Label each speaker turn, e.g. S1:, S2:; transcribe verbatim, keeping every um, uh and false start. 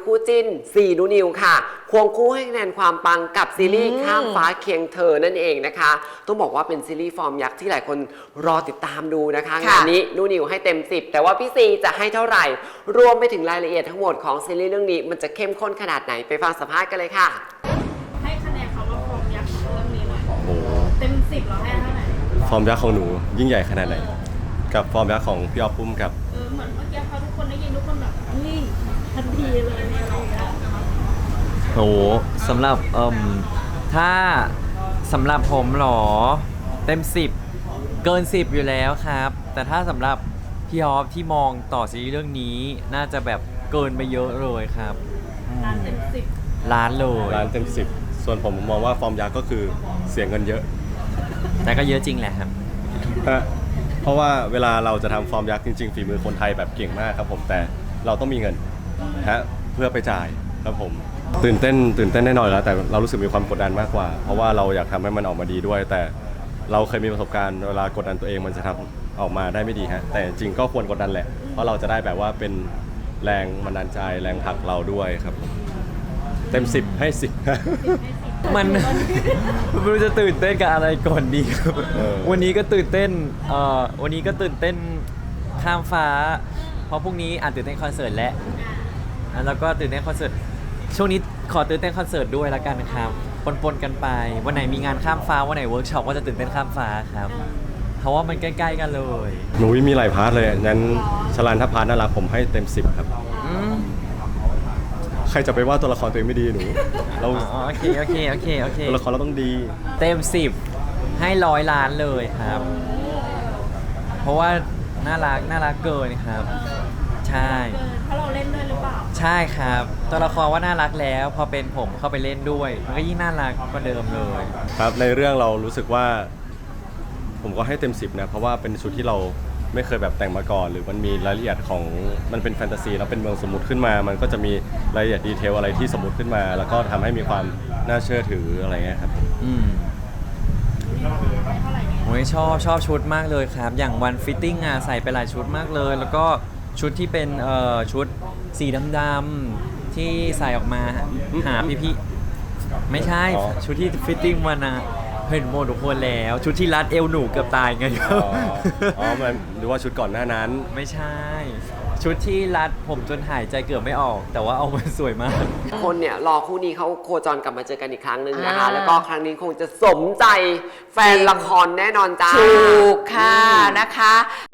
S1: คู่จิ้นซีนูนิวค่ะควงคู่ให้คะแนนความปังกับซีรีส์ข้ามฟ้าเคียงเธอนั่นเองนะคะต้องบอกว่าเป็นซีรีส์ฟอร์มยักษ์ที่หลายคนรอติดตามดูนะคะงานนี้นูนิวให้เต็มสิบแต่ว่าพี่ซีจะให้เท่าไหร่รวมไปถึงรายละเอียดทั้งหมดของซีรีส์เรื่องนี้มันจะเข้มข้นขนาดไหนไปฟังสัมภาษณ์กันเลยค่ะ
S2: ให้คะแนนเขาว่าฟอร์มยักษ์ของเรื่องนี้หน่อยโอ้เต็มสิบเราให้เท่าไหร่
S3: ฟอร์มยักษ์ของหนูยิ่งใหญ่ขนาดไหนกับฟอร์มยักษ์ของพี่อ๊อฟปุ้มกับ
S2: เออเหมือนเมื่อกี้พอทุกคนได้ยินทุกคนแบบนี่ทันทีเลยเนี่ยเราเนี่ย
S4: โอ้สำหรับเอ่มถ้าสำหรับผมหรอเต็มสิบเกินสิบอยู่แล้วครับแต่ถ้าสำหรับพี่ออฟที่มองต่อซีรีส์เรื่องนี้น่าจะแบบเกินไปเยอะเลยครับ
S2: ล้านเต็มสิบ
S4: ล้านเลย
S3: ล้านเต็มสิบส่วนผมมองว่าฟอร์มยักษ์ก็คือเสียเงินเยอะ
S4: แต่ก็เยอะจริงแหละครับ
S3: เพราะว่าเวลาเราจะทำฟอร์มยักษ์จริงๆฝีมือคนไทยแบบเก่งมากครับผมแต่เราต้องมีเงินฮะเพื่อไปจ่ายครับผมตื่นเต้นตื่นเต้นแน่นอนแล้วแต่เรารู้สึกมีความกดดันมากกว่าเพราะว่าเราอยากทำให้มันออกมาดีด้วยแต่เราเคยมีประสบการณ์เวลากดดันตัวเองมันจะทำออกมาได้ไม่ดีฮะแต่จริงก็ควรกดดันแหละเพราะเราจะได้แบบว่าเป็นแรงบันดาลใจแรงผลักเราด้วยครับเต็มสิบให้สิบ
S4: มันไม่รู้จะตื่นเต้นกับอะไรก่อนดีครับวันนี้ก็ตื่นเต้นเอ่อวันนี้ก็ตื่นเต้นข้ามฟ้าเพราะพรุ่งนี้อาจตื่นเต้นคอนเสิร์ตและแล้วก็ตื่นเต้นคอนเสิร์ตช่วงนี้ขอตื่นเต้นคอนเสิร์ตด้วยละกันครับปนๆกันไปวันไหนมีงานข้ามฟ้าวันไหนเวิร์กช็อปก็จะตื่นเต้นข้ามฟ้าครับเพราะว่ามันใกล้ๆกันเลย
S3: หนูมีหลายพาร์ทเลยงั้นชลันถ้าพาร์ทน่ารักผมให้เต็มสิบครับใครจะไปว่าตัวละครตัวเองไม่ดีหนูเรา
S4: โอเคโอเคโอเคโอเค
S3: ตัวละครเราต้องดี
S4: เต็มสิบให้ร้อยล้านเลยครับเพราะว่าน่ารักน่ารักเกินครับใช่
S2: เพราะเราเล่นด้วยหรือเปล่า
S4: ใช่ครับตัวละครว่าน่ารักแล้วพอเป็นผมเข้าไปเล่นด้วยมันก็ยิ่งน่ารักกว่าเดิมเลย
S3: ครับในเรื่องเรารู้สึกว่าผมก็ให้เต็มสิบนะเพราะว่าเป็นชุดที่เราไม่เคยแบบแต่งมาก่อนหรือมันมีรายละเอียดของมันเป็นแฟนตาซีแล้วเป็นเมืองสมมุติขึ้นมามันก็จะมีรายละเอียดดีเทลอะไรที่สมมุติขึ้นมาแล้วก็ทำให้มีความน่าเชื่อถืออะไรเงี้ยครับ
S4: อืมโอ้ยชอบชอบชุดมากเลยครับอย่างวันฟิตติ้งอ่ะใส่ไปหลายชุดมากเลยแล้วก็ชุดที่เป็นเอ่อชุดสีดำๆที่ใส่ออกมาหาพี่ๆไม่ใช่ชุดที่ฟิตติ้งวันนะเห็นหมดทุกคนแล้วชุดที่รัดเอวหนูเกือบตายไง
S3: อ๋อมันหรือว่าชุดก่อนหน้านั้น
S4: ไม่ใช่ชุดที่รัดผมจนหายใจเกือบไม่ออกแต่ว่าเอามาสวยมาก
S1: คนเนี่ยรอคู่นี้เขาโคจรกลับมาเจอกันอีกครั้งหนึ่งนะคะแล้วก็ครั้งนี้คงจะสมใจแฟนละครแน่นอนจ้า
S5: ถูกค่ะนะคะ